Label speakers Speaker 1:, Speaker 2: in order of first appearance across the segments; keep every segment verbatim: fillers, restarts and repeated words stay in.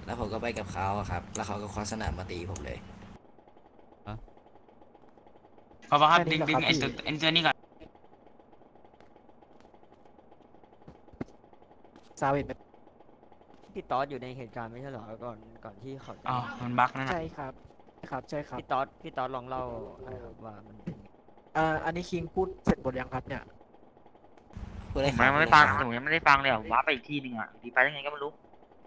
Speaker 1: แล้วผมก็ไปกับเขาอะครับแล้วเขาก็คว้าสนามมาตีผมเลย
Speaker 2: พอปะครับ
Speaker 3: แค่นี้
Speaker 2: ดึงดึงไอ้
Speaker 3: เหรอครับพี่
Speaker 2: ตัวไอ้ตัวนี้ก่อน
Speaker 3: ซาเวตไหม
Speaker 4: พี่ตอสอยู่ในเหตุการณ์ไม่ใช่เหรอก่อนก่อนที่เขาจะ
Speaker 2: อ๋อมันบั๊กนั่นน่ะ
Speaker 3: ใช่ครับใช่ครับใช่ครับ
Speaker 4: พี่ตอสพี่ตอสลองเล่าหน่อยครับว่ามันเป็นไง
Speaker 3: อ่าอันนี้คิงพูดเสร็จหมดยังครับเนี่ย
Speaker 1: พูด
Speaker 2: ผ
Speaker 1: เลยครับพูด
Speaker 2: มยังไม่ฟัง
Speaker 1: เลยครับ
Speaker 2: ผมยังไม่ได้ฟังเลยอ่ะผมว้าไปอีกที่หนึ่งอ่ะดีไปยังไงก็ไม่รู้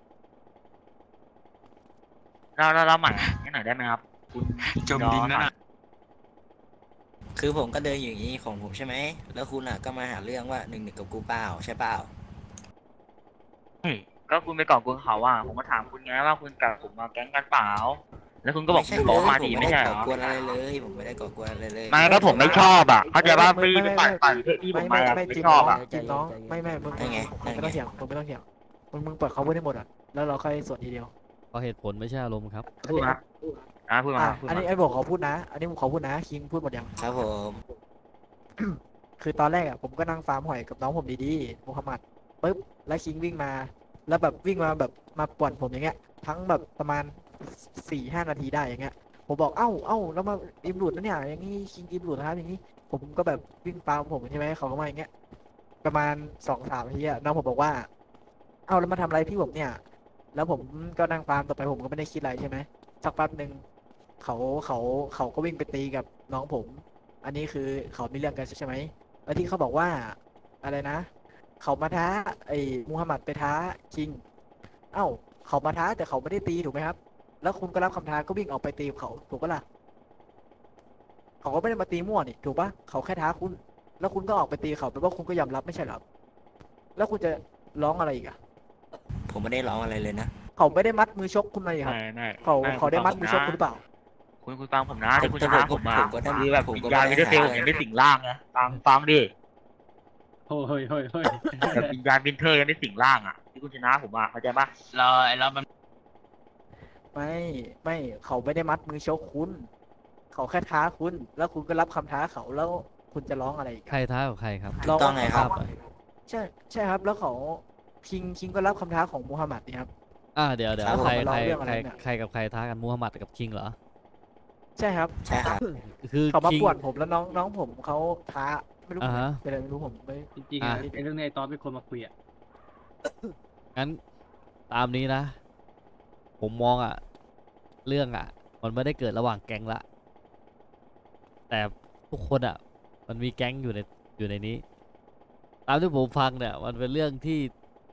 Speaker 2: เราเราเราใหม่ให้หน่อยได้ไหมครับคุณจมดินนั่นน่ะ
Speaker 1: คือผมก็เดินอยู่อย่างนี้ของผมใช่ไหมแล้วคุณอ่ะก็มาหาเรื่องว่าหนึ่งหนึ่งกับกูเปล่าใช่เปล่า
Speaker 2: เฮ้ยก็คุณไปก่อกวนเขาอ่ะผมก็ถามคุณไงว่าคุณกับผมมาแก๊งกันเปล่าแล้วคุณก็บอก
Speaker 1: ไม่ใช่
Speaker 2: คุณ
Speaker 1: เล
Speaker 2: บอก
Speaker 1: ย
Speaker 2: มา
Speaker 1: ผม
Speaker 2: ดี
Speaker 1: ไม่
Speaker 2: ไม่
Speaker 1: ได้
Speaker 2: ใช่เหร
Speaker 1: ก่อ
Speaker 2: อก
Speaker 1: วนอะไรเลยผมไม่ได้ก่อกวนอะไรเลย
Speaker 2: ไม่ก็ผมไม่ชอบอ่ะเข้าใจว่าพี่ไปปั่นปั่นเพื่อที่ผ
Speaker 3: ไม่
Speaker 2: ม
Speaker 3: ไม่
Speaker 2: มา
Speaker 3: ไม่
Speaker 2: ไม่
Speaker 3: จีบ
Speaker 2: ชอ
Speaker 3: น้
Speaker 2: บ
Speaker 3: อง
Speaker 2: อ่ะ
Speaker 3: จีบน้องไม่ไม่มึงมึงมึงไม่ต้องเถียงมึงไม่ต้องเถียงมึงมึงเปิดเขาพูดให้หมดอ่ะแล้วเราค่อยสวดทีเดียว
Speaker 5: เพราะเหตุผลไม่ใช่อารมณ์ครับ
Speaker 2: พูดมาอ่ะพูดมา
Speaker 3: อ่ะ
Speaker 2: พูด
Speaker 3: อัน
Speaker 2: มา
Speaker 3: นี้ไอ้บอกเขาพูดนะ อันนี้ผมขอพูดนะคิงพูดหมดยัง
Speaker 1: ครับผม
Speaker 3: คือตอนแรกอ่ะผมก็นั่งฟาร์มหอยกับน้องผมดีๆมูฮัมหมัดปุ๊บแล้วคิงวิ่งมา แล้วแบบวิ่งมาแบบมาป่วนผมอย่างเงี้ย ทั้งแบบประมาณสี่ห้านาทีได้อย่างเงี้ยผมบอกเอ้าเอ้าแล้วมาอิมหลุดนะเนี่ยอย่างนี้คิงอิมหลุดนะครับอย่างนี้ผมก็แบบวิ่งฟาร์มผมใช่ไหมเขาก็มาอย่างเงี้ยประมาณสองสามนาทีอะน้องผมบอกว่าเอ้าแล้วมาทำอะไรพี่ผมเนี่ย แล้วผมก็นั่งฟาร์มต่อไปผมก็ไม่ได้คิดอะไรใช่ไหมสักแป๊บหนึ่งเขาเขาเขาก็วิ่งไปตีกับน้องผม อันนี้คือเขามีเรื่องกันใช่ไหมแล้วที่เขาบอกว่าอะไรนะ เขามาท้าไอ้มูฮัมหมัดไปท้าคิง เอ้าเขามาท้าแต่เขาไม่ได้ตีถูกไหมครับ แล้วคุณก็รับคำท้าก็วิ่งออกไปตีกับเขาถูกปะล่ะเขาก็ไม่ได้มาตีมั่วนี่ถูกปะเขาแค่ท้าคุณ แล้วคุณก็ออกไปตีเขาแปลว่าคุณก็ยอมรับไม่ใช่เหรอครับแล้วคุณจะร้องอะไรอีกอะ
Speaker 1: ผมไม่ได้ร้องอะไรเลยนะ
Speaker 3: เขาไม่ได้มัดมือชกคุณมาอีกครับ
Speaker 2: ไม่ไม่
Speaker 3: เขา
Speaker 2: ไม่
Speaker 3: เขาได้มัด
Speaker 2: คุณ
Speaker 3: มือ
Speaker 2: ฟั
Speaker 3: ช
Speaker 2: ง
Speaker 3: กคุณหรือเปล่า
Speaker 2: คุณคุณฟังผมนะ
Speaker 1: แต่
Speaker 2: ที่คุณ
Speaker 1: แต่
Speaker 2: ชนะ
Speaker 1: ผม
Speaker 2: ผมมา
Speaker 1: ผมก็ได้
Speaker 2: คือแบบ
Speaker 1: ผม
Speaker 2: วิ
Speaker 1: ก็
Speaker 2: ญญาณ
Speaker 1: ไม่
Speaker 2: ไม่
Speaker 1: ได้
Speaker 2: ได้เฟล
Speaker 1: หา
Speaker 2: ยังได้สิงร่างไงฟังฟังดิ
Speaker 5: โอ้ยเฮ้ยเฮ้ย
Speaker 2: แบบวิญญาณวินเทอร์ยังได้สิงร่างอ่ะที่คุณชนะผมอ่ะเข้าใจปะเราเรามัน
Speaker 3: ไม่ไม่เขาไม่ได้มัดมือชกคุณ เขาแค่ท้าคุณ แล้วคุณก็รับคำท้าเขาแล้วคุณจะร้องอะไรอีก
Speaker 5: ใครท้ากับใครครับ
Speaker 3: ร้อง
Speaker 1: ต้องไงครับ
Speaker 5: ทาบหน่อย
Speaker 3: ใช่ใช่ครับ แล้วเขาคิงคิงก็รับคำท้าของมูฮัมหมัดนี่ครับ
Speaker 5: อ่าเดี๋ยวเดี๋ยว
Speaker 3: ครับผม
Speaker 5: ใคร
Speaker 3: มาเล่า
Speaker 5: ใคร
Speaker 3: เรื่องอะ
Speaker 5: ใค
Speaker 3: ไร
Speaker 5: ร
Speaker 3: เนี่ย
Speaker 5: ใครกับใครท้ากันมูฮัมหมัดกับคิงเหรอ
Speaker 3: ใช่ครับ
Speaker 1: ใช่ครับ
Speaker 5: คือ
Speaker 3: เขามา
Speaker 5: คิง
Speaker 3: ป่วนผมแล้วน้องน้องผมเขาท้าไม่รู้
Speaker 5: อ่า
Speaker 3: ผม
Speaker 5: ฮะ
Speaker 3: เป็นอะไรไม่รู้ผมไม่
Speaker 6: จริงๆ
Speaker 5: อ่ะ
Speaker 6: อะไอ้เรื่องนี้ไอ้ตอนเป็นคนมาคุยอ่ะ
Speaker 5: งั้นตามนี้นะ ผมมองอ่ะ เรื่องอ่ะ มันไม่ได้เกิดระหว่างแก๊งละ แต่ทุกคนอ่ะ มันมีแก๊งอยู่ในอยู่ในนี้ ตามที่ผมฟังเนี่ย มันเป็นเรื่องที่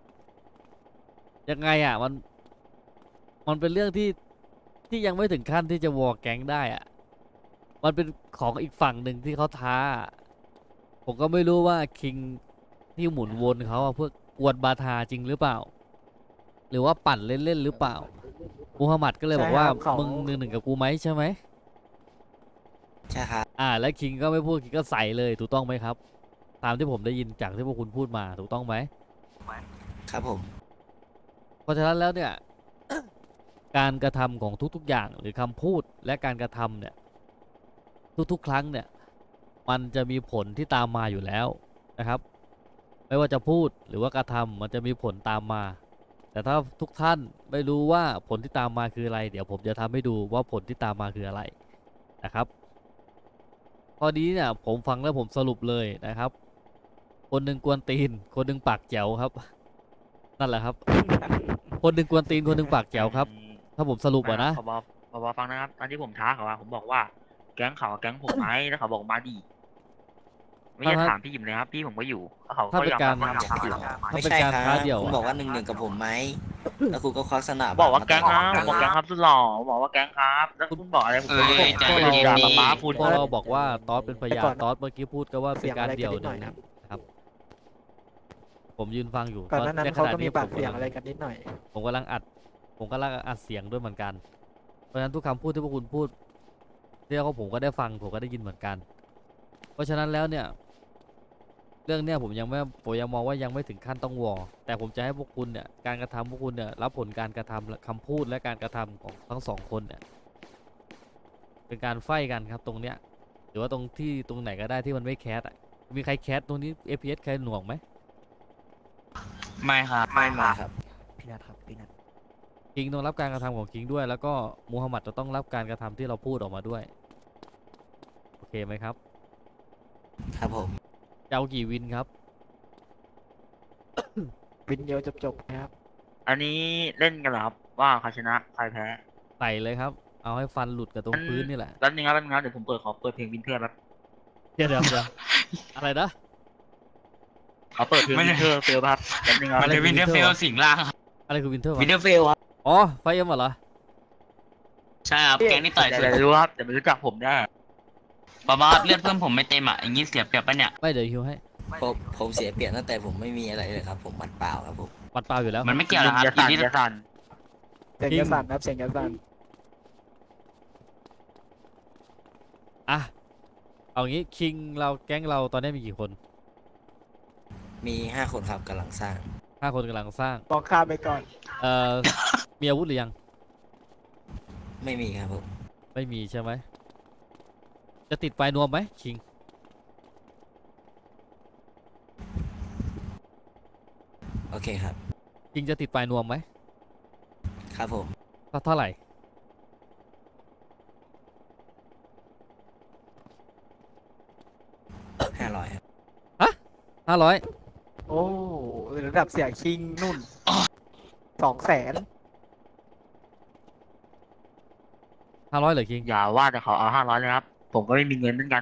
Speaker 5: ยังไงอ่ะ มัน มันเป็นเรื่องที่ที่ยังไม่ถึงขั้นที่จะวอร์แก๊งได้อ่ะ มันเป็นของอีกฝั่งหนึ่งที่เขาท้า ผมก็ไม่รู้ว่าคิงที่หมุนวนเขาอะเพื่อกวนบาทาจริงหรือเปล่า หรือว่าปั่นเล่นๆหรือเปล่ามูฮัมหมัดก็เลยบอกว่า
Speaker 3: ใช่ครับเขา
Speaker 5: มึงหนึ่งหนึ่งกับกูไหมใช่ไหม
Speaker 1: ใช่ครับ
Speaker 5: อ่า แล้วคิงก็ไม่พูดคิงก็ใส่เลยถูกต้องไหมครับ ตามที่ผมได้ยินจากที่พวกคุณพูดมาถูกต้องไหม
Speaker 1: ครับผม
Speaker 5: เพราะฉะนั้นแล้วเนี่ย การกระทำของทุกๆอย่างหรือคำพูดและการกระทำเนี่ย ทุกๆ ครั้งเนี่ย มันจะมีผลที่ตามมาอยู่แล้วนะครับ ไม่ว่าจะพูดหรือว่ากระทำมันจะมีผลตามมา แต่ถ้าทุกท่านไม่รู้ว่าผลที่ตามมาคืออะไร เดี๋ยวผมจะทำให้ดูว่าผลที่ตามมาคืออะไรนะครับข้อนี้เนี่ยผมฟังแล้วผมสรุปเลยนะครับ คนหนึ่งกวนตีน คนหนึ่งปากแจ๋วครับ นั่นแหละครับ คนหนึ่งกวนตีนคนหนึ่งปากแจ๋วครับ ถ้าผมสรุปอะนะ
Speaker 2: พบพบฟังนะครับตอนที่ผมท้าเขาอะผมบอกว่าแก๊งเขากับแก๊งผมไหมแล้วเขาบอกมาดีไม่ใช่
Speaker 5: ถ้า
Speaker 2: ถามพี่หยิมเลยครับพี่ผมก็อยู่แล้วเขา
Speaker 5: ถ้า
Speaker 2: ก็
Speaker 5: เป็น
Speaker 2: ยอม
Speaker 5: การ
Speaker 2: รับว่าเขาผิด
Speaker 5: ถ้า
Speaker 1: ไม่
Speaker 5: เป็น
Speaker 1: ใช่
Speaker 5: การ
Speaker 1: ครับ
Speaker 5: ท้าเดี่ยว
Speaker 1: คุณ
Speaker 5: อะ
Speaker 1: บอกว่าหนึ่งหนึ่งกับผมไหมแล้วคุณก็ควักสนาม
Speaker 2: บอกว่าแก๊ง
Speaker 1: มา
Speaker 2: ครับผมบอกแก๊งครับสุดหล่อบอกว่าแก๊งครับ แล้วคุณบอกอะไรผม
Speaker 1: เอ
Speaker 2: ก็
Speaker 1: อ
Speaker 2: ไม่
Speaker 1: ใจ
Speaker 2: ได้
Speaker 1: เย็น
Speaker 2: ด่า
Speaker 1: ดิ
Speaker 2: ป๊าป๊าคุณ
Speaker 5: พอเราบอกว่าตอสเป็นพยา
Speaker 3: ก่
Speaker 5: น
Speaker 3: อน
Speaker 5: ตอสเมื่อกี้พูดก็ว่าเป็นการเดี่ยว
Speaker 3: เสียง
Speaker 5: ห
Speaker 3: อะไรกันนิดหน่
Speaker 5: นึ่
Speaker 3: อง ยนะครับ
Speaker 5: ผมยืนฟังอยู่
Speaker 3: ก่อนหน้านั้น
Speaker 5: ในข
Speaker 3: เขา
Speaker 5: ณะ
Speaker 3: ก็มี
Speaker 5: นี้
Speaker 3: ปาก
Speaker 5: ผม
Speaker 3: เสียง
Speaker 5: กำลัง
Speaker 3: อะไรกันนิดหน่อย
Speaker 5: ผมกำลังอัด ผมกำลังอัดเสียงด้วยเหมือนกัน เพราะฉะนั้นทุกคำพูดที่พวกคุณพูดเรียกว่าผมก็ได้ฟังผมก็ได้ยินเหมือนกัน เพราะฉะนั้นแล้วเนี่ย เรื่องเนี้ยผมยังไม่ผมยังมองว่ายังไม่ถึงขั้นต้องวอร์แต่ผมจะให้พวกคุณเนี่ยการกระทำพวกคุณเนี่ยรับผลการกระทำและคำพูดและการกระทำของทั้งสองคนเนี่ยเป็นการไฟกันครับตรงเนี้ยหรือว่าตรงที่ตรงไหนก็ได้ที่มันไม่แคสอ่ะมีใครแคสตรงนี้ เอฟ พี เอส ใครหน่วงไหม
Speaker 2: ไม่ครับ
Speaker 1: ไม่มาครับ
Speaker 4: พี่นัทครับพี่นัท
Speaker 5: โอเคคิงต้องรับการกระทำของคิงด้วย แล้วก็มูฮัมหมัดจะต้องรับการกระทำที่เราพูดออกมาด้วยโอเคไหมครับ
Speaker 1: ครับผม
Speaker 5: จะเอากี่วินครับ
Speaker 3: วินเดียวจบๆนะครับ
Speaker 2: อันนี้เล่นกันเหรอครับว่าใครชนะใครแพ้
Speaker 5: ใส่เลยครับ เอาให้ฟันหลุดกับตรงพื้นนี่แหละ
Speaker 2: แป๊บนึงครับแป๊บนึงครับเดี๋ยวผมเปิดขอเปิดเพลงวินเทอร์แป๊บ
Speaker 5: เดี๋ยวเดี๋ยวเดี๋ยวอะไรนะ
Speaker 2: ขอเปิดเพลงวินเทอร์เฟลครับแป๊บนึงครับ
Speaker 5: อะไร
Speaker 6: เดวินเดอร์เฟลสิงล่างครับ
Speaker 5: อะไรคือวินเทอร์วะ
Speaker 6: วินเดอร์เฟลครับ
Speaker 5: อ๋อไฟเอ็มเหรอ
Speaker 6: ใช่ครับแกงนี่ต่อย
Speaker 2: เดี๋
Speaker 6: สุ
Speaker 2: ยว
Speaker 6: ด
Speaker 2: จะรู้ครับเดี๋ยวไม่รู้จักผมได้
Speaker 6: บาบาเลือดเพื่อนผมไม่เต็มอ่ะอย่างงี้เสียเปรียบปะเนี่ย
Speaker 5: ไม่เดี๋ยวฮิวให้
Speaker 1: ผมผมเสียเปรียบตั้งแต่ผมไม่มีอะไรเลยครับ ผมหมัดเปล่าครับผม
Speaker 5: ปัดเปล่าอยู่แล้ว
Speaker 6: มันไม่เกี่ยวนะครับ
Speaker 2: อย่า
Speaker 6: อี
Speaker 2: สั่น
Speaker 6: นี่
Speaker 2: อย่าสั่น
Speaker 3: เสียง
Speaker 5: จริง
Speaker 3: กระสันครับเสียงกระสัน
Speaker 5: อ่ะเอางี้คิงเราแก๊งเราตอนนี้มีกี่คน
Speaker 1: มีห้าคนครับกำลังสร้าง
Speaker 5: ห้าคนกำลังสร้าง
Speaker 3: บอกข้ามไปก่อน
Speaker 5: เอ่อ มีอาวุธหรือยัง
Speaker 1: ไม่มีครับผม
Speaker 5: ไม่มีใช่ไหม จะติดปลายนวมไหมคิง
Speaker 1: โอเคครับ
Speaker 5: คิงจะติดปลายนวมไหม
Speaker 1: ครับผม
Speaker 5: เท่าเท่าไหร่
Speaker 1: ห้าร้อยครับ
Speaker 5: ห้าร้อย
Speaker 3: โอ้ระดับเสียคิงนุ่นสองแสน
Speaker 5: ห้าร้อยเหรอคิง
Speaker 2: อย่าว่าแต่เขาเอาห้าร้อยเลยครับ ผมก็ไม่มีเงินเหมือนกัน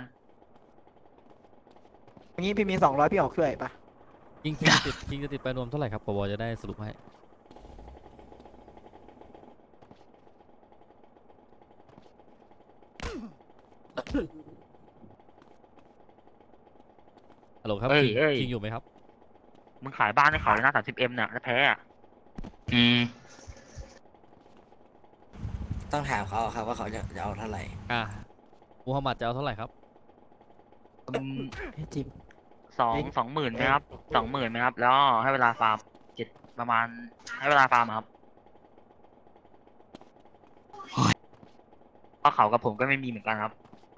Speaker 3: อย่างนี้พี่มีสองร้อยพี่ออกเครื่อยปะ
Speaker 5: คิงคิงจะติดคิงจะติดปลายนวมเท่าไหร่ครับปวจะได้สรุปให้ ฮัลโหลครับ
Speaker 2: เอ้ย
Speaker 5: คิง
Speaker 2: เอ้ย
Speaker 5: คิงอยู่ไหมครับ
Speaker 2: มึงขายบ้านให้เขาเลยนะสามสิบเอ็มเนี่ยแล้วแพ้อะ
Speaker 6: อืม
Speaker 1: ต้องถามเขาครับว่าเขาจะจะเอาเท่าไหร่
Speaker 5: อ่ะมูฮัมหมัดจะเอาเท่าไหร่ครับ
Speaker 2: อืม
Speaker 3: เฮ้ยจิม
Speaker 2: สองสองหมื่นไหมครับสองหมื่นไหมครับ แล้วให้เวลาฟาร์มเจ็ดประมาณให้เวลาฟาร์มครับเพราะเขากับผมก็ไม่มีเหมือนกันครับ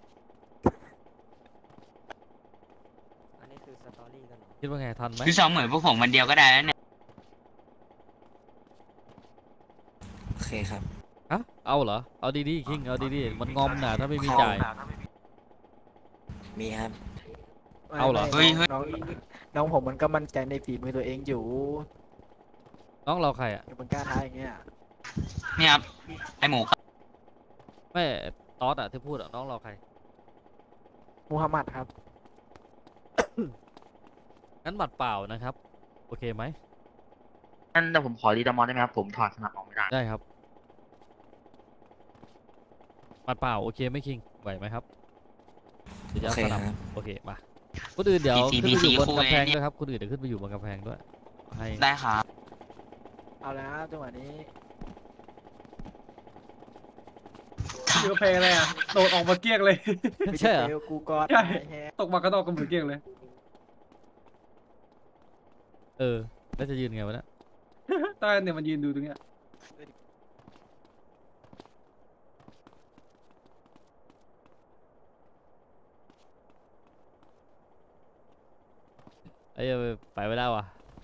Speaker 4: อันนี้คือสตอรี่กันเหรอ
Speaker 5: คิดว่าไงทันไหม
Speaker 6: คือสองหมื่นพวกผมวันเดียวก็ได้แล้วเนี่ย
Speaker 1: โอเคครับ
Speaker 5: ฮะเอาเหรอ เอาดีๆคิง เอาดีๆ มันงอมหนาถ้าไม่มีจ่าย
Speaker 1: มีครับ
Speaker 5: เอาเหรอ
Speaker 3: ไม่ไม่น้องน้องผมมันก็มั่นใจในฝีมือตัวเองอยู่
Speaker 5: น้องเราใครอ่ะ
Speaker 3: อย่ามันกล้าท้าอย่างเงี้ย
Speaker 6: เนี่ยครับไอหมูครับ
Speaker 5: ไม่ตอสอ่ะที่พูดอ่ะน้องเราใคร
Speaker 3: มูฮัมหมัดครับ
Speaker 5: งั้นบัตรเปล่านะครับ โอเคไหม
Speaker 2: นั่นเดี๋ยวผมขอรีดามอนได้ไหมครับ ผมถอดสนับออกไม่ได้
Speaker 5: ได้ครับบัตรเปล่าโอเคไหมคิง ไหวไหมครับเดี๋ยวจะ
Speaker 1: โอ
Speaker 5: เอา
Speaker 1: เค
Speaker 5: สนับ
Speaker 1: ครับ
Speaker 5: โอเคมาคนอื่นเดี๋ยว
Speaker 6: พี
Speaker 5: ขึ้น
Speaker 6: ซี
Speaker 5: ไปอยู่บน
Speaker 6: คู่
Speaker 5: กำแพง
Speaker 6: ไอ้นี่
Speaker 5: ด้วยครับคนอื่นเดี๋ยวขึ้นไปอยู่บนกำแพงด้วยให้
Speaker 6: ได้ครับ
Speaker 3: เอาแล้วจังหวะนี้
Speaker 7: อยู่เพลงอะไรอ่ะโดดออกมาเกลี้ยงเลย
Speaker 5: ไม่ใช่เหรอ
Speaker 3: เดี๋ยวกูกอด
Speaker 7: ใช่
Speaker 3: ไอ้แฮะ
Speaker 7: ตกมากระดอกกันเหมือนเกลี้ยงเลย
Speaker 5: เออแล้วจะยืนไงวะเนี่ย
Speaker 7: ใต้เนี่ยมันยืนดูตรงเนี้ย
Speaker 5: ไอ้ยไปไม่ได้ว่ะ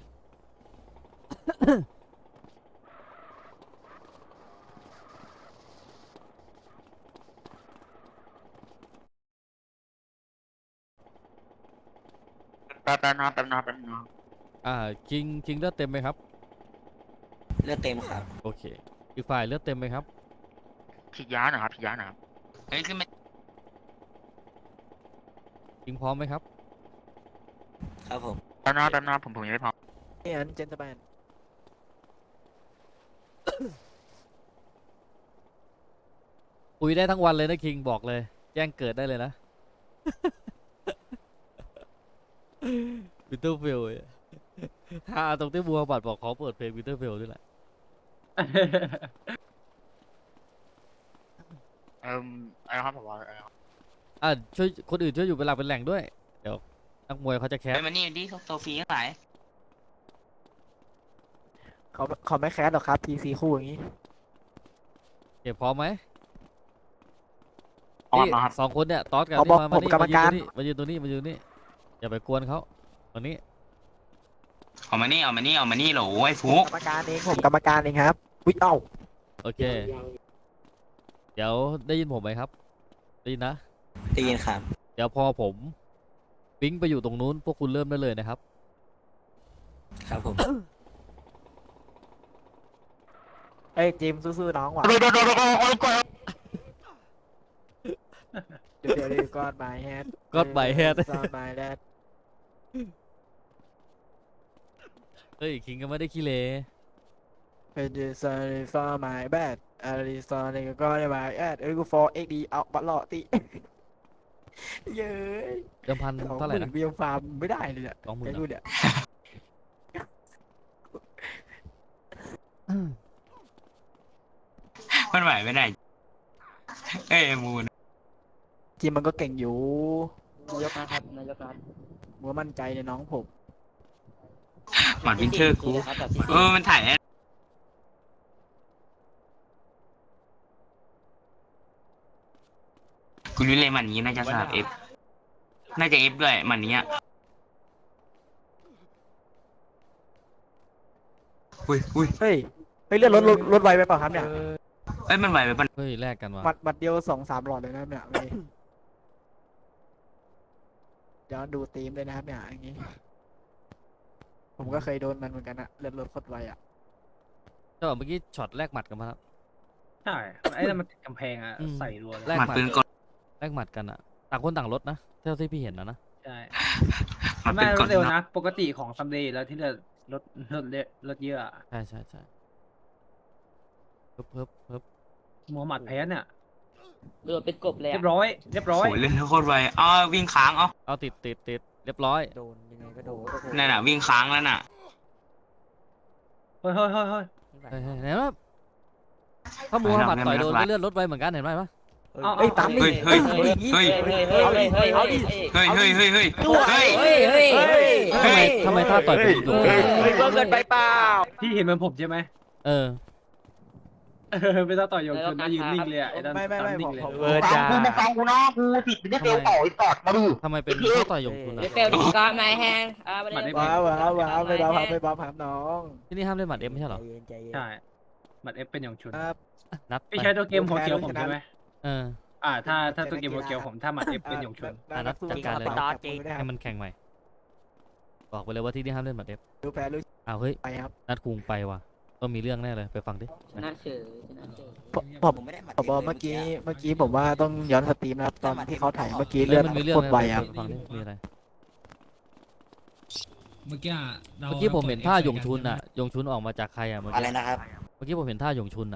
Speaker 2: แป๊บแป๊บนะแป๊บนะแป๊บนะ
Speaker 5: อ่าคิงคิงเลือดเต็มไหมครับ
Speaker 1: เลือดเต็มครับ
Speaker 5: โอเคอีกฝ่ายเลือดเต็มไหมครับ
Speaker 2: ฉีดยาหน่อยครับฉีดยาหน่อยครับ
Speaker 6: เฮ้ยขึ้นมา
Speaker 5: คิงพร้อมไหมครับ
Speaker 1: ครับผม
Speaker 2: แป๊บนะแป๊บนะผมผมยังไม่พร้อม
Speaker 3: นี่อันเจนตแมน
Speaker 5: คุยได้ทั้งวันเลยนะคิงบอกเลย แจ้งเกิดได้เลยนะ วินเทอร์เฟลถ้าตรงที่บัวบัตรบอกขอเปิดเพลงวินเทอร์เฟลด้วยแหละ
Speaker 2: เอ่มอะไรนะครับผมว่าอะไรนะครับ
Speaker 5: อ่ะช่วยคนอื่นช่วยอยู่เป็นหลักเป็นแหล่งด้วย เดี๋ยวนักมวยเขาจะแค
Speaker 6: ไป
Speaker 5: ส
Speaker 6: มานี่ดิโซฟีทั้งหลาย
Speaker 3: เขาเขาไม่แคสหรอกครับทีซีคู่อย่างนี้
Speaker 5: เก็บพร้อมไหม
Speaker 2: ออน
Speaker 5: นี่
Speaker 2: มาครับ
Speaker 5: สองคนเนี่ยตอสกับ
Speaker 3: เขา
Speaker 5: นี่
Speaker 3: บอก
Speaker 5: มามา
Speaker 3: ผม
Speaker 5: นี่
Speaker 3: กรรมการ
Speaker 5: มายืนตรงนี้มายืนตรงนี้อย่าไปกวนเขาตรงนี้
Speaker 6: เอามานี่เอามานี่เอามานี่โหลไอ้ฟุก
Speaker 3: กรรมการเองผมกรรมการเองครับวิเอ้า
Speaker 5: โอเค เดี๋ยวได้ยินผมไหมครับได้ยินนะ
Speaker 1: ได้ยินครับ
Speaker 5: เดี๋ยวพอผมวิ่งไปอยู่ตรงนู้นพวกคุณเริ่มได้เลยนะครับ
Speaker 1: ครับผม
Speaker 3: เอ้ยจิมสู้ๆน้องว่ะ เดี๋ยวเดี๋ยวเดี๋ยวกอด my head
Speaker 5: God my head
Speaker 3: กอด my head
Speaker 5: เฮ้ยคิงก็ไม่ได้ขี้เล
Speaker 3: เป็น sorry for my bad อะไร sorry ก็ได้ my bad เอ้ยกู for เอ็กซ์ ดี เอาบัตรหล่อติ เย้ย
Speaker 5: เดิมพัน
Speaker 3: สอง
Speaker 5: เท่า
Speaker 3: ห
Speaker 5: ไหร่
Speaker 3: มื่น
Speaker 5: นะ
Speaker 3: เบียร์ฟาร์มไม่ได้เลยเนี่ย
Speaker 5: สองหมื่น
Speaker 3: ไอ้กูเนี่ย
Speaker 6: มันไหวไม่ได้เอ้ยมูน
Speaker 3: จิมมันก็เก่งอยู่
Speaker 4: นายกนะครับนายกครับ
Speaker 3: มัวมั่นใจในน้องผม
Speaker 6: หมัดวินเทอร์กู
Speaker 4: ครับแบบที่
Speaker 6: เออมันถ่ายแอดกูรู้เลยหมันนี้น่าจะสลับเอฟน่าจะเอฟด้วยหมันนี้อ่ะอุ้ยอุ้ย
Speaker 3: เฮ้ยเฮ้ยเลื่อนรถรถรถไวไปเปล่าครับเนี่ย
Speaker 6: เอ้ยมันไหวไปปะ
Speaker 5: เฮ้ยแลกกันว่ะ
Speaker 3: บัตรบัตรเดียวสองสามหลอดเลยนะครับเนี่ยเว้ยเดี๋ยวดูธีมเลยนะครับเนี่ยอย่างงี้ ผมก็เคยโดนมันเหมือนกันอะเลื่อนรถโคตรไวอะ
Speaker 5: เจ้าเมื่อกี้ช็อตแลกหมัดกันมาแล้ว
Speaker 7: ใช่ไอ้นั่นมันติดกำแพงอ่ะ
Speaker 5: อืม
Speaker 7: ใส่รัวเลย
Speaker 5: แลก
Speaker 6: หมัด
Speaker 5: หมัด
Speaker 6: ปืนกล
Speaker 5: แลกหมัดกันอะต่างคนต่างรถนะเท่าที่พี่เห็นนะนะ
Speaker 7: ใช่
Speaker 6: หมัด
Speaker 7: ไม่
Speaker 6: ปืน
Speaker 7: ร
Speaker 6: ก
Speaker 7: ถ
Speaker 6: ล
Speaker 7: เร็ว
Speaker 6: นะ
Speaker 7: นะ ปกติของซัมเดย์แล้วที่เลือรถรถเละรถเยอะอะ
Speaker 5: ใช่ใช่ใช่เพิ่มเพิ่มเพิ่ม
Speaker 7: มัวหมัดแพ้เนี่ย
Speaker 4: เรือเป็นกบเลย
Speaker 7: เรี
Speaker 4: อะ
Speaker 7: ยบร้อย เรียบร้อย
Speaker 6: โอ้ยเล่นโคตรไวอ้าววิ่งค้างเอ้า
Speaker 5: เอาติดติดติดเรียบร้อย
Speaker 4: โดนยังไงก็โดน
Speaker 6: นั่นน่ะวิ่งค้างแล้วน่ะ
Speaker 7: เฮ้ยเฮ้ยเฮ้ยเฮ้ย
Speaker 5: เฮ้ยเฮ้ยเห็นไหมถ้ามูฮัมหมัดต่อยโดนก็เลื่อนรถไวเหมือนกันเห็นไหมปะ
Speaker 7: เอา
Speaker 3: เฮ้ยตามดิ
Speaker 6: เฮ้ยเฮ้ย
Speaker 3: เฮ้ย
Speaker 6: เฮ้ย
Speaker 4: เฮ้ยเฮ้ยเฮ้ยเฮ้ยเฮ้ย
Speaker 6: เฮ้ยเฮ้ยเฮ้ยเฮ้ยเฮ้ย
Speaker 4: เฮ้ยเฮ้ยเฮ้ย
Speaker 5: ทำไมทำไมท่าต่อยเป็นดุ
Speaker 4: เฮ้ยเฮ้ยเกินไปเปล่า
Speaker 7: พี่เห็นเหมือนผมใช่ไหม
Speaker 5: เออ
Speaker 7: เออไม่ต้องต่อยโยงชนนะยืนนิ่งเลยอะไอ้นั่น
Speaker 3: ไม่ไม่ไม่
Speaker 7: ตานิ่ง
Speaker 3: ผม
Speaker 7: เลย
Speaker 3: ผม
Speaker 4: เวอร์จ้า
Speaker 5: ทำไมเป็นท่าต่อยหยงคุณอะ
Speaker 4: เฟลดีก็ไม่แห้งอ่าไม่ได้
Speaker 3: ว้าวว้าวว้าวไม่บ้าครับไม่บ้าครับน้อง
Speaker 5: ที่นี่ห้ามเล่นหมัดเอ็มไม่ใช่เหรอ
Speaker 7: ใช่หมัดเอฟเป็นโยงชน
Speaker 3: ครับ
Speaker 5: นัด
Speaker 7: พี่ใช้ตัวเกมหัวเขียวผมใช่ไหม
Speaker 5: เออ
Speaker 7: อ่า ถ้าถ้าตัวเกมหัวเขียวผมถ้าหมัดเอฟเป็นโยงชน
Speaker 5: อ่ะนัดจัดการเลย
Speaker 3: ต่อจริง
Speaker 5: ให้มันแข่งใหม่ บอกไปเลยว่าที่นี่ห้ามเล่นหมัดเอฟ
Speaker 3: ดูแพ้รู้
Speaker 5: อ้าวเฮ้ย
Speaker 3: ไปครับ
Speaker 5: นัดคุงไปว่ะต้องมีเรื่องแน่เลยไปฟังดิ
Speaker 4: ชนะเฉยชนะเฉย
Speaker 3: ผมผม
Speaker 1: ผมไม่ได้หมัด
Speaker 3: ผมบอกเมื่อกี้เมื่อกี้ผมว่าต้องย้อนสตรีมนะครับตอนที่เขาถ่ายเมื่อกี้
Speaker 5: เฮ้
Speaker 3: เลื
Speaker 5: ย
Speaker 3: อด
Speaker 5: มันมีเรื่อง
Speaker 3: โคตรไว
Speaker 5: แน่
Speaker 3: ครับ
Speaker 5: ไปฟังดิมีอะไร
Speaker 8: เมื่อกี้อะรา
Speaker 5: เมื่อกี้ผมเห็นท่าหยงชุน
Speaker 8: อ่ะ
Speaker 5: อ่ะหยงชุนออกมาจากใครอ่ะเมื่อ
Speaker 1: อะไร
Speaker 5: กี้
Speaker 1: นะครับ
Speaker 5: เมื่อกี้ผมเห็นท่าหยงชุนอ่ะ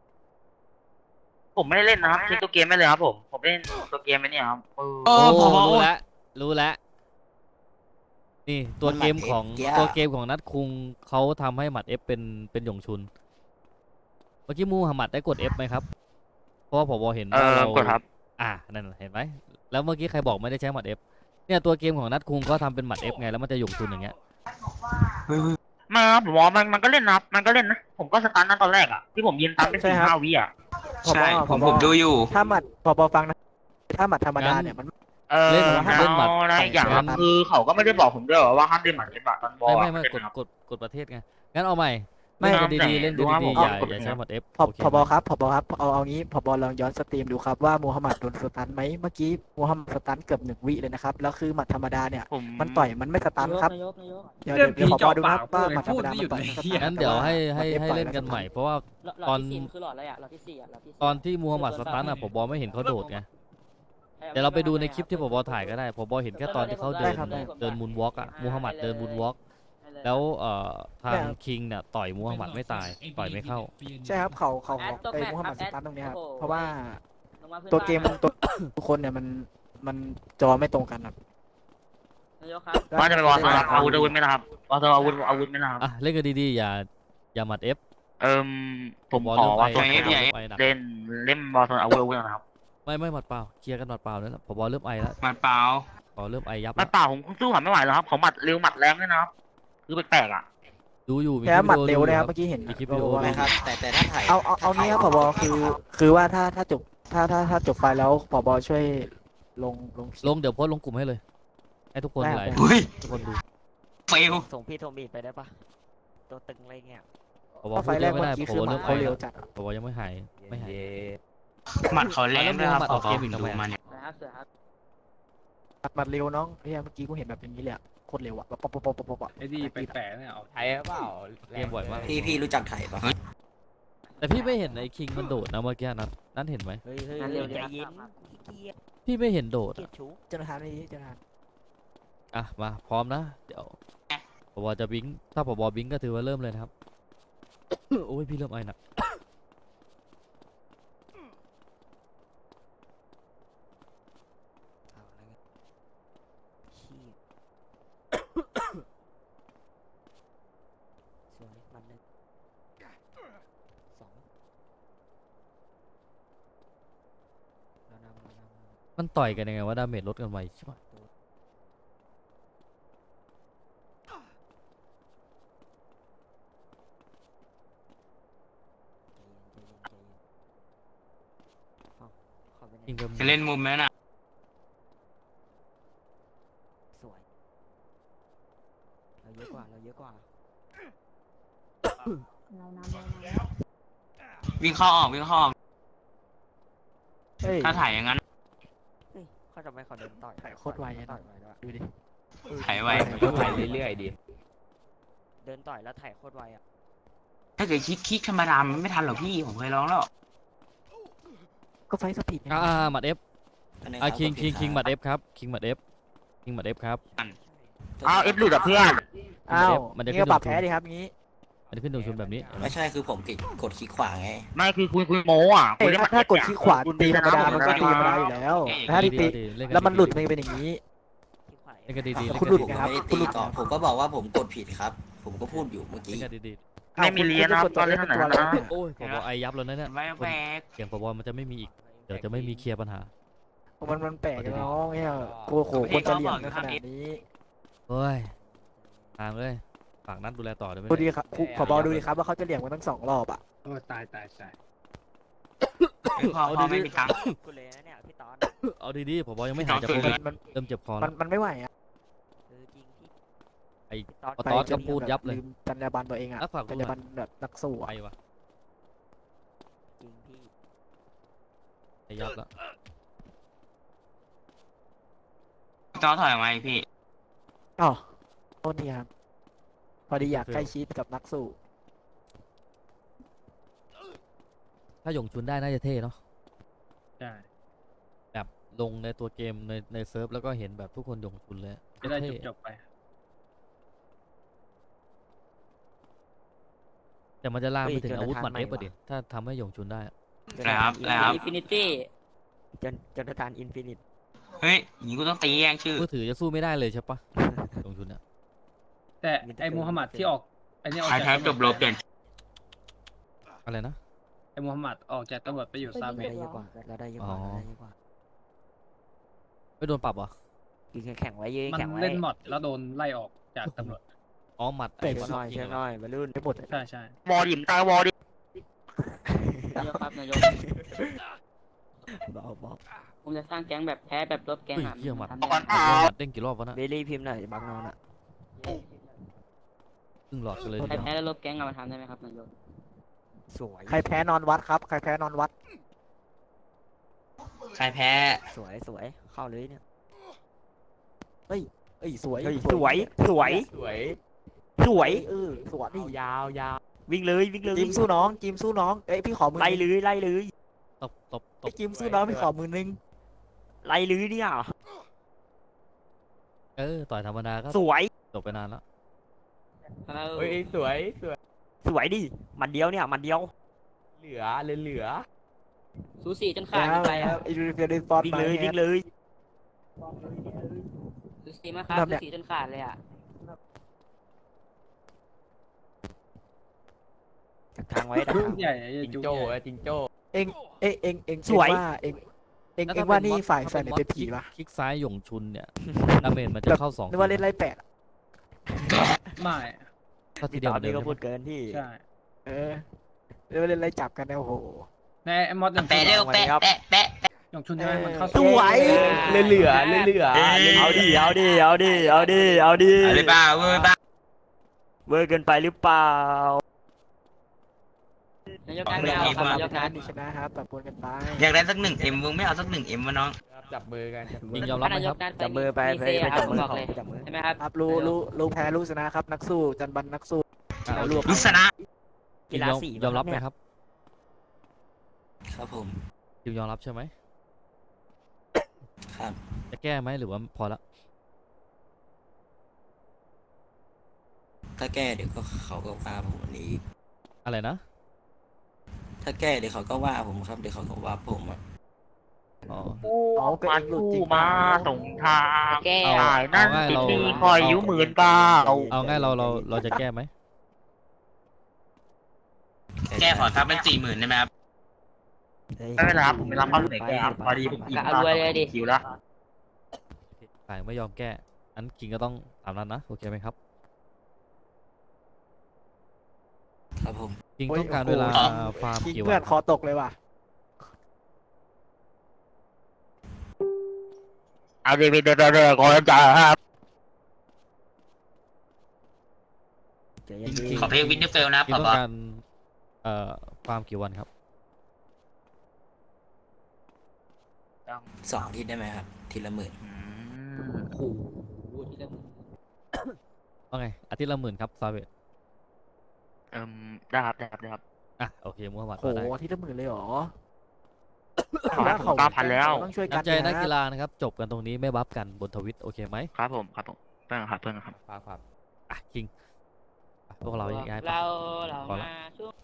Speaker 2: ผมไม่ได้เล่นนะครับเล่นตัวเกมไม่เลยครับผม ผมเล่นตัวเกมไม่เนี่ยครับเออ
Speaker 6: โอ้
Speaker 5: โอ้
Speaker 6: พอ
Speaker 5: รู้แล้วรู้แล้วนี่ตัวเกมของ
Speaker 1: มันหมัด F
Speaker 5: ตัวเกมของนัดคุงเขาทำให้หมัด F เป็นเป็นหยงชุน เมื่อกี้มูฮัมหมัดได้กด F ไหมครับ เพราะว่าผมเห็น
Speaker 2: เอ
Speaker 5: ว่า
Speaker 2: อ
Speaker 5: เรา
Speaker 2: กดครับ
Speaker 5: อ่านั่นน่ะเห็นไหมแล้วเมื่อกี้ใครบอกไม่ได้ใช้หมัด F เนี่ยตัวเกมของนัดคุงก็ทำเป็นหมัด F ไงแล้วมันจะหยงชุนอย่างเงี้ย
Speaker 2: ไมาครับผมว่ามันมันก็เล่นนะครับมันก็เล่นนะ ผมก็สตาร์ทนะตอนแรกอ่ะ ที่ผมยืนตามเป็น
Speaker 3: ใช่
Speaker 2: สี่
Speaker 3: ครับ
Speaker 2: ห้าวิอ่ะ
Speaker 3: ผบ
Speaker 6: ใช่ผม
Speaker 3: ผบ
Speaker 6: ผมดูอยู่
Speaker 3: ถ้าหมัดพอบอฟังนะถ้าหมัดธรรมดาเนี่ยมัน
Speaker 2: เออ
Speaker 5: เล่น
Speaker 2: แล้ว
Speaker 5: เล่นหมัด
Speaker 2: นะอีกอย่างครับ
Speaker 3: งั้น
Speaker 2: คือเขาก็ไม่ได้บอกผมด้วยว่าห้ามเล่นหมัดเล่นหมัดตอนบอล
Speaker 5: ไม่
Speaker 2: อะ
Speaker 5: ไม่ไม่
Speaker 2: เล่น
Speaker 5: กด
Speaker 2: นะครับ
Speaker 5: กดกดประเทศไงงั้นเอาใหม่
Speaker 3: ไม่
Speaker 5: เล่นกันดีๆเล่น
Speaker 2: ดูว่า
Speaker 5: ดี
Speaker 2: ผม
Speaker 5: ๆอย่า
Speaker 2: เอากด
Speaker 5: อย่า
Speaker 2: ยังไง
Speaker 5: ใช้หมัด F
Speaker 3: พอ
Speaker 5: โอเค
Speaker 3: พบ
Speaker 5: ไหม
Speaker 3: ครับพบครับเอาเอางี้พบลองย้อนสตรีมดูครับว่ามูฮัมหมัดโดนสตันไหมเมื่อกี้มูฮัมหมัดสตันเกือบหนึ่งวิเลยนะครับแล้วคือหมัดธรรมดาเนี่ย
Speaker 2: ผม
Speaker 3: มันต่อยมันไม่สตันครับ
Speaker 4: นายกนายก
Speaker 3: เดี๋ยว
Speaker 7: เรื่อง
Speaker 3: เดี๋ยว
Speaker 7: ผี
Speaker 3: ขอ
Speaker 7: เจาะ
Speaker 3: ดูครับ
Speaker 7: ปาก
Speaker 3: ว่าหมัดธรรมดา
Speaker 7: พูดไม่หยุด
Speaker 3: มันต่อย
Speaker 7: เลย
Speaker 3: สตั
Speaker 7: เหี้ย
Speaker 3: น
Speaker 5: งั้นเดี๋ยวให้ให้ให้เล่นกันใหม่เพราะว่า
Speaker 4: หลอดที่สี่คือหลอดอะไรอ่ะหลอดที่สี่อ่ะหลอดที่สี่
Speaker 5: ตอนที่มูฮัมหมัดสตันอ่ะผมบอกไม่เห็นเขาโดดไงเดี๋ยวเราไปดูในคลิปที่ผมบอกถ่ายก็ได้ผมบอกเห็นแค่ตอนที่เขาเดินเดินมูนวอล์กอ่ะมูฮัมหมัดเดินมูนวอล์กแล้วเอ่อทางคิงเนี่ยต่อยมูฮัมหมัดไม่ตายต่อยไม่เข้า
Speaker 3: ใช่ครับเขาเขาเขาไอ้มูฮัมหมัดสตันตรงเนี้ยครับเพราะว่าตัวเกมตัวทุกคนเนี่ยมันมันจอไม่ตรงกันครับ
Speaker 4: นายกครับ
Speaker 2: ว่าจะไปวอลสลับอาวุธอาวุธไหมนะครับวอลสลับอาวุธอาวุธไหมนะครับ
Speaker 5: อ่ะเล่นกันดีๆอย่าอย่าหมัด F
Speaker 2: เอิมผม
Speaker 5: บอล
Speaker 2: ขอ
Speaker 5: เริ่ม
Speaker 2: ว่า
Speaker 5: ไป
Speaker 2: ตัว
Speaker 6: ไอ้
Speaker 2: เล่น
Speaker 6: ไอ้
Speaker 5: ไปหนัก
Speaker 2: เล่นเล่นบอลสลับอาวุธอาวุธนะครับ
Speaker 5: ไม่ไม่หมัดเปล่าเคลียร์กันหมัดเปล่าแล้วล่ะผมบอกเริ่มไอแล้ว
Speaker 6: หมัดเปล่า
Speaker 5: พอเริ่มไอยับ
Speaker 2: มั
Speaker 5: แล้
Speaker 2: ด
Speaker 5: ว
Speaker 2: เปล่าผมสู้เขาไม่ไหวแล้วครับเขาหมัดเร็วหมัดแรงด้วยนะครับคือแปลกๆอ่ะ
Speaker 5: ดูอยู่มี
Speaker 3: แค่
Speaker 5: คลิป
Speaker 3: หมัด
Speaker 5: วิดี
Speaker 3: เร็
Speaker 5: โอ
Speaker 3: ว
Speaker 5: ดู
Speaker 3: นะครับ
Speaker 5: ครับ
Speaker 3: เมื่อกี้เห็น
Speaker 5: มีคลิปวิดีโอ
Speaker 3: ว่า
Speaker 1: ไม่ครับ แต่แต่ถ้าถ่าย
Speaker 3: เอาเอาเอานี้ครับผบคือคือว่าถ้าถ้าจบถ้าถ้าถ้าจบไฟแล้วผบช่วยลงลงคลิป
Speaker 5: ลงเดี๋ยวโพสต์ลงกลุ่มให้เลย ให้ทุกคน
Speaker 3: ได้
Speaker 5: หลาย
Speaker 3: ได้
Speaker 6: อุ้ย
Speaker 5: ทุกคนดู
Speaker 6: เฟล
Speaker 4: ส่งพี่โทมีดไปได้ปะตัวตึงอะไรเงี้ย
Speaker 5: ผบ
Speaker 3: ถ้าไฟ
Speaker 5: พูด
Speaker 3: แร
Speaker 5: เย
Speaker 3: ก
Speaker 5: อะไม่
Speaker 3: เมื่อ
Speaker 5: ได้
Speaker 3: กี้
Speaker 5: ผ
Speaker 3: คื
Speaker 5: บ
Speaker 3: อหมั
Speaker 5: เริ่
Speaker 3: ด
Speaker 5: ม
Speaker 3: เขา
Speaker 5: ไอ
Speaker 3: เร็ว
Speaker 5: แล้ว
Speaker 3: จัดอะ
Speaker 5: ผบยังไม่หายไม่หาย
Speaker 6: หมัดเขาแรงด้วยครับ
Speaker 5: แล้ว
Speaker 6: ผ
Speaker 5: มึง
Speaker 6: บ
Speaker 5: มาออกเกมอีก
Speaker 6: ผม
Speaker 5: ทำไม
Speaker 6: ดู
Speaker 5: อะ
Speaker 6: มาเนี่ย
Speaker 3: หมัดเร็วน้องเฮียเมื่อกี้กูเห็นแบบอย่างนี้เลยอะโคตรเร็วอะแบบป๊อปป๊อปป๊อปป๊อปป๊อปอะ
Speaker 7: ไอ้ดีไปแปะเนี่ยเอา
Speaker 8: ไทยเปล่า
Speaker 5: เกมบ่อยมาก
Speaker 1: พี่พี่รู้จักไถ่ปะ
Speaker 5: แต่พี่ไม่เห็นไอ้คิงมันโดดนะเมื่อกี้นัทนัทเห็นไหม
Speaker 4: เฮ้ยเฮ้ย
Speaker 9: งั้นเร็ว
Speaker 4: ใจ
Speaker 9: ดี
Speaker 4: เย็น
Speaker 9: ครับ
Speaker 4: ขี้เกียจ
Speaker 5: พี่ไม่เห็นโดด
Speaker 4: เกีย
Speaker 5: อะ
Speaker 4: จชุบ
Speaker 3: เจ้าหน้าที่เจ้าหน้าที่
Speaker 5: อ่ะมาพร้อมนะเดี๋ยวผบจะบิงถ้าผบบิงก็ถือว่าเริ่มเลยนะครับ โอ้ยพี่เริ่มไอหนัก
Speaker 4: เอาแล้วไงขี้สวยมันหนึ่งสองเรานำเรานำเรานำ
Speaker 5: มันต่อยกันยังไงว่าดาเมจลดกันไวใช่ปะ
Speaker 4: ใจเย็นใจเย็นใจเย็นเอ้าเข้าไปใน
Speaker 5: ยิงไป
Speaker 6: จะเล่นมุมไหมน่ะ
Speaker 4: สวยเราเยอะกว่าเราเยอะกว่า
Speaker 9: เรานำเรานำ
Speaker 6: วิ่งเข้าออกวิ่งเข้าออก
Speaker 3: เฮ้ย
Speaker 6: ถ้าถ่ายอย่างนั้น
Speaker 4: เฮ้ยเขาจะไม่เขาเดินต่อย
Speaker 3: ถ่ายโคตรไวอะ
Speaker 4: ต่อยไวด้วย
Speaker 3: ดูดิ
Speaker 6: ถ่ายไว
Speaker 8: ก็ถ่ายเรื่อยๆดิ
Speaker 4: เดินต่อยแล้วถ่ายโคตรไวอ่ะ
Speaker 6: ถ้าเกิดคลิกคลิกธรรมดามันไม่ทันหรอกพี่ผมเคยร้องแล้ว
Speaker 3: ก็ไฟสปีดไง
Speaker 5: อ่าอ่าหมัดเอฟ
Speaker 1: อันนึง
Speaker 5: อ่า
Speaker 1: รับ
Speaker 5: คิง
Speaker 1: กด
Speaker 5: คิง
Speaker 1: ผิ
Speaker 5: คิง
Speaker 1: รับ
Speaker 5: หมัดเอฟครับคิงหมัดเอฟคิงหมัดเอฟครับ
Speaker 2: อ้าวเอฟหลุดอ่ะเพื่อน
Speaker 3: อ้าว
Speaker 5: มันจะ
Speaker 3: นี่
Speaker 5: ขึ้
Speaker 3: ก็
Speaker 5: น
Speaker 3: ปรับ
Speaker 5: ดู
Speaker 3: แพ้ดิครับงี้
Speaker 5: มันจะขึ้นตรงชุนแบบนี้เห็นไหม
Speaker 1: ไม่ใช่คือผมกดกดคลิกขวาไง
Speaker 2: ไม่คือคุณคุณโมอ่ะ
Speaker 3: เอ้ย
Speaker 2: คุณ
Speaker 3: ถ้าถ้ากดขี้ขวาตีธรรมดามันก็ตีธรรมดาอยู่แล้วแต่ถ้า
Speaker 5: ดี
Speaker 3: ตี
Speaker 5: ดีเล่นกั
Speaker 3: แล้วมันหลุด
Speaker 5: ดี
Speaker 3: มันเป็นอย่างนี้
Speaker 4: ที่ขวา
Speaker 5: เล่นกันดีดี
Speaker 3: อ่ะ
Speaker 5: เล่น
Speaker 3: คุณ
Speaker 5: กัน
Speaker 3: หลุด
Speaker 5: ดี
Speaker 1: ผม
Speaker 3: นะครับ
Speaker 1: ไม่ได้
Speaker 3: คุณ
Speaker 1: ตี
Speaker 3: หลุด
Speaker 1: ก่อนผมก็บอกว่าผมกดผิดครับ ผมก็พูดอยู่เมื่อกี้
Speaker 5: เล่นกันดีดี
Speaker 2: ไม่มีเรียนนะครับตอนเล่นเท่าไหร่นะ
Speaker 5: โอ้ยผบไอยับแล้วนะเนี่ย
Speaker 6: แวกแวก
Speaker 5: เสียงผบมันจะไม่มีอีกเดี๋ยวจะไม่มีเคลียร์ปัญหา
Speaker 3: มันมันแปลกอะน้องเนี่ยโอ้โหคนจะเหลี่ยมกันขนาดนี้
Speaker 5: เฮ้ยตามเลยฝากนัดดูแลต่อได้ไหม
Speaker 3: ดู
Speaker 5: เนี่ย
Speaker 3: ดีครับครูขอบอดูดีครับว่าเขาจะเหลี่ยมกันทั้งสองรอบอ่ะ
Speaker 7: โอ้ตายตายตาย
Speaker 6: พอพอไม่มีตังค์
Speaker 4: กูเลยนะเนี่ยพี่ตอน
Speaker 5: เอาดีๆผบยังไม่หายจากโควิด
Speaker 3: มัน
Speaker 5: เริ่มเจ็บคอ
Speaker 3: มั
Speaker 5: แล้
Speaker 3: น
Speaker 5: ว
Speaker 3: มันไม่ไหวอ่ะ
Speaker 4: เออจริงพี่
Speaker 5: ไอ้
Speaker 4: พี่ตอน
Speaker 5: ปะตอสก็พูดยับเลย
Speaker 3: ลืมจรรยาบรรณตัวเองอ่ะ
Speaker 5: อ่ะฝาก
Speaker 3: จ
Speaker 5: ดู
Speaker 3: ร
Speaker 5: ห
Speaker 3: ร
Speaker 5: น่
Speaker 3: ยาบร
Speaker 5: อย
Speaker 3: รณแบบนักสู้
Speaker 5: ไป
Speaker 3: อ่ะ
Speaker 5: วะ
Speaker 4: จริงพี่
Speaker 5: ไอยับแล้ว
Speaker 6: จอถอยออกมาอีกพี่
Speaker 3: อ๋อโทษทีครับพอดีอยากใกล้ชิดกับนักสู้
Speaker 5: ถ้าหยงชุนได้น่าจะเท่เนาะ
Speaker 7: ใช่
Speaker 5: แบบลงในตัวเกมในในเซิร์ฟแล้วก็เห็นแบบทุกคนหยงชุนเลย
Speaker 7: จะได้
Speaker 5: เท่
Speaker 7: จบๆไป
Speaker 5: แต่มันจะลามไปถึงอาวุธหมัดเอฟอะดิถ้าทำให้หยงชุนได้อะ
Speaker 6: แล้วครับแล้วครับ
Speaker 9: อินฟินิตี้
Speaker 4: จนจนทานอินฟินิต
Speaker 6: เฮ้ยอย่างนี้กูต้องตีแย่งชื่อ
Speaker 5: มือถือจะสู้ไม่ได้เลยใช่ปะหยงชุนอะ
Speaker 7: แต่ไอ้มูฮัมหมัดที่ออกไอ้นี่ออก
Speaker 6: ใคร
Speaker 7: จาก
Speaker 6: แพ้จบโลเปลี่ยน
Speaker 5: อะไรนะ
Speaker 7: ไอ้มูฮัมหมัดออกจากตำรวจไปอยู่ซาเม
Speaker 4: เรา
Speaker 7: ก
Speaker 4: ได้เยอะกว่าเราได้เยอะกว่าเราได้เยอะกว่า
Speaker 5: ไม่โดนปรับเหรอ
Speaker 4: ยืนแข็งไว้ยืน
Speaker 7: มัน
Speaker 4: แข็งไว้
Speaker 7: เล่นหมดแล้วโดนไล่ออกจากตำรวจ
Speaker 5: อ๋อหมัด
Speaker 3: เตะ
Speaker 5: ไอ้
Speaker 4: เชื่อหน่อย
Speaker 5: จริ
Speaker 4: เชื่
Speaker 5: ง
Speaker 4: อ
Speaker 5: เหรอ
Speaker 4: หน่อยวัยรุ่น
Speaker 3: ไปหมดเลย
Speaker 7: ใช่ใช่
Speaker 2: วอดิมตายวอดิ
Speaker 9: นายกครับนายก
Speaker 4: เบาเบา
Speaker 9: ผมจะสร้างแก๊งแบบแพ้แบบลบแก๊ง
Speaker 5: เฮ้ย
Speaker 9: อ่ะ
Speaker 5: เหี้ยหมัด
Speaker 9: ทำ
Speaker 5: ห
Speaker 9: ได้ไหม
Speaker 5: มัดเด้งกี่รอบวะน่ะ
Speaker 4: เบลลี่พิมพ์หน่อยบักนอนอ่ะ
Speaker 5: ครึ่งหลอดกันเลยที
Speaker 9: ใคร
Speaker 5: เดียว
Speaker 9: แพ้แล้วลบแก๊งอะมาทำได้ไหมครับนายก
Speaker 4: สวย
Speaker 3: ใครแพ้นอนวัดครับ ใครแพ้นอนวัด
Speaker 6: ใครแพ้
Speaker 4: สวยสวยเข้าเลยเนี่ย
Speaker 3: เอ้ยสวย
Speaker 4: เฮ้ยสวยสวย
Speaker 8: สวย
Speaker 4: สวย
Speaker 3: เออสวยนี่
Speaker 8: ยาวยาว
Speaker 4: วิ่งเลยวิ่งเลย
Speaker 3: จิมสู้น้องจิมสู้น้องเอ้ยพี่ขอมือ
Speaker 4: ไล่เลยไล่เลย
Speaker 5: ตบตบต
Speaker 3: ไอ้
Speaker 5: บ
Speaker 3: จิมสู้น้องพี่ขอมือนึง
Speaker 4: ไล่เลยเนี่ย
Speaker 5: เออต่อยธรรมดาก็
Speaker 4: สวย
Speaker 5: จบไปนานแล้ว
Speaker 9: เออ
Speaker 8: เฮ้ยสวยสวย
Speaker 4: สวยดิมันเดียวเนี่ยมันเดียว
Speaker 8: เหลือเหลือเหลือ
Speaker 9: สูสีจนขาดกันไปอ่ะ
Speaker 3: ไอ้ดูเฟียร์ดฟอร์ด
Speaker 4: วิ่ง
Speaker 3: มา
Speaker 4: เลย
Speaker 3: เนี่
Speaker 4: วิ่
Speaker 3: ย
Speaker 4: งเลย
Speaker 9: สูสีมากครับ
Speaker 3: แบบ
Speaker 9: สู
Speaker 3: เนี้ย
Speaker 9: สีจนขาดเลยอ่ะ
Speaker 4: ดักทางไว้ดักทาง
Speaker 7: ใหญ่ไอ้
Speaker 8: จิง
Speaker 7: จุ๊
Speaker 8: โจ้
Speaker 7: ใหญ่
Speaker 8: อะจิงโจ้
Speaker 3: เองเอ้ยเองเอง
Speaker 4: สวย
Speaker 3: เองว่าเองเอง
Speaker 5: แล้ว
Speaker 3: เอ
Speaker 5: ถ้
Speaker 3: งว่า
Speaker 5: เป็
Speaker 3: นี่
Speaker 5: มอส
Speaker 3: ฝ่าย
Speaker 5: ถ้
Speaker 3: แฟน
Speaker 5: เป็น
Speaker 3: เนี่ย
Speaker 5: มอส
Speaker 3: เป็นผี
Speaker 5: คลิก
Speaker 3: ปะ
Speaker 5: คลิกซ้ายหยงชุนเนี่ยดาเมจมันจะเข้าสอง
Speaker 3: นึกว่าเล่นไล่แปดอะ
Speaker 7: ไม่
Speaker 5: ก็ที
Speaker 4: พี่
Speaker 5: เดี
Speaker 4: ต
Speaker 5: ยว
Speaker 4: อ
Speaker 5: เหมือน นเดิ
Speaker 4: นี้
Speaker 5: ม
Speaker 4: ก็
Speaker 5: ใช่
Speaker 4: พู
Speaker 5: ปะ
Speaker 4: ดเกินที่
Speaker 7: ใช่
Speaker 3: เออเรียกว่าเล่นไล่จับกันนะโอ้โห
Speaker 7: ในไอ้มอสยัง
Speaker 6: แปะเร็วแปะแปะแปะแปะ
Speaker 7: ยงชุนใช่ไหมมันเข้า
Speaker 3: สวย
Speaker 8: เหลือเหลือเหลือเหลือ
Speaker 4: เอาดิเอาดิเอาดิเอาดิเอาดิ
Speaker 6: อะไรบ้าเว้ยบ้า
Speaker 4: เวอร์เกินไปหรือเปล่า
Speaker 9: นายกนัดไม่เอาครับนายกนัด
Speaker 3: มีชนะครับแบบปนกันไป
Speaker 6: อยากได้สักหนึ่งเอ็มมึงไม่เอาสักหนึ่งเอ็มวะน้อง
Speaker 8: จับมือกันจับมื
Speaker 5: ยิ
Speaker 8: อง
Speaker 5: ยอมรับไหม
Speaker 9: นา
Speaker 5: ค
Speaker 9: ย
Speaker 5: รับ
Speaker 9: กนัด
Speaker 4: จับมือไป
Speaker 9: มี
Speaker 4: ไป
Speaker 9: เซ่
Speaker 4: ไป
Speaker 9: ครั
Speaker 4: จั
Speaker 9: บบ
Speaker 4: มือ
Speaker 9: บอก
Speaker 4: เขา
Speaker 9: เลย
Speaker 4: ไปจับมือ
Speaker 9: ใช่ไหมครับ
Speaker 3: ครับรู้รู้รู้แพ้รู้ชนะครับ นักสู้จันบันนักสู้
Speaker 5: อ่ะโอเค
Speaker 3: รวม
Speaker 6: ลุสนะ
Speaker 4: กีฬาสี
Speaker 5: ยอมรับไหมครับ
Speaker 1: ครับผม
Speaker 5: ยิงยอมรับใช่ไหม
Speaker 1: ครับ
Speaker 5: จะแก้ไหมหรือว่าพอละ
Speaker 1: ถ้าแก้เดี๋ยวก็เขาก็ว่าผมวันนี้อีก
Speaker 5: อะไรนะ
Speaker 1: ถ้าแก้เดี๋ยวเขาก็ว่าผมครับเดี๋ยวเขาก็ว่าผมอ่ะ
Speaker 5: อ๋อ
Speaker 3: เอาก็
Speaker 2: มา
Speaker 3: เองหลุด
Speaker 2: สู้
Speaker 3: จริง
Speaker 2: มาส่งทาง
Speaker 9: แก้
Speaker 5: เอา
Speaker 2: จ่ายนั่น
Speaker 5: เอาง่าย
Speaker 2: ติด
Speaker 5: เรา
Speaker 2: หนี้คอยยิ้วหมื่นเปล่า
Speaker 5: เอาง่ายเราเราเราจะแก้ไหม
Speaker 6: แก้ขอทักเป็นสี่หมื่นได้ไหมครับ
Speaker 2: ไม่เป็นไรครับผมไม่รับข้อเสนอแก้ครับพอดีผมอิ่ม
Speaker 9: เอารวยเลยดิ
Speaker 2: คิวแล้ว
Speaker 5: ฝ่ายไม่ยอมแก้อันคิงก็ต้องตามนั้นนะโอเคไหมครับ
Speaker 1: ครับผม
Speaker 5: คิง
Speaker 3: โอ้ย
Speaker 5: ต้องการ
Speaker 3: โอ้โห
Speaker 5: เวลาฟาร์ม
Speaker 3: คิง
Speaker 5: กี่
Speaker 3: เพื่
Speaker 5: วั
Speaker 3: อน
Speaker 5: น
Speaker 3: คอตกเลยว่ะ
Speaker 2: เอาดีไปเดินเดินขอจ่ายครับ
Speaker 4: ใจเย็น
Speaker 5: จ
Speaker 4: ดี
Speaker 5: ริง
Speaker 6: ขอเพลงวินเทอร์เฟลนะครับ
Speaker 5: คิง
Speaker 6: ผ
Speaker 5: ต้
Speaker 6: บ
Speaker 5: องการเอ่อฟาร์มกี่วันครับ
Speaker 1: สองอาทิตย์ได้ไหมครับ ทีละหมื่น
Speaker 2: อืม
Speaker 9: โอ้โหที่ละหมื่น
Speaker 5: ว่าไงอาทิตย์ละหมื่นครับซาเวต
Speaker 2: เอิ่มได้ครับได้ครับได้ครับ
Speaker 5: อ่ะโอเคมูฮัมหมัด
Speaker 3: โห
Speaker 5: ว่าได้
Speaker 3: ที่ละหมื่นเลยเหรอ
Speaker 2: ขอให้ผมเก้าพันแล้ว
Speaker 3: ต้องช่วยกัน
Speaker 5: น้ำใจนัก
Speaker 3: ะ
Speaker 5: กีฬานะครับ จบกันตรงนี้ไม่บัฟกันบนทวิตโอเคไหม
Speaker 2: ครับผมครับผมเพื่อนครับเพื่อนครับ
Speaker 8: ครับครับ
Speaker 5: อ่ะคิงอ่ะพวกเราย้ายไป
Speaker 9: เราเรา
Speaker 5: พอละ
Speaker 9: มาช่วง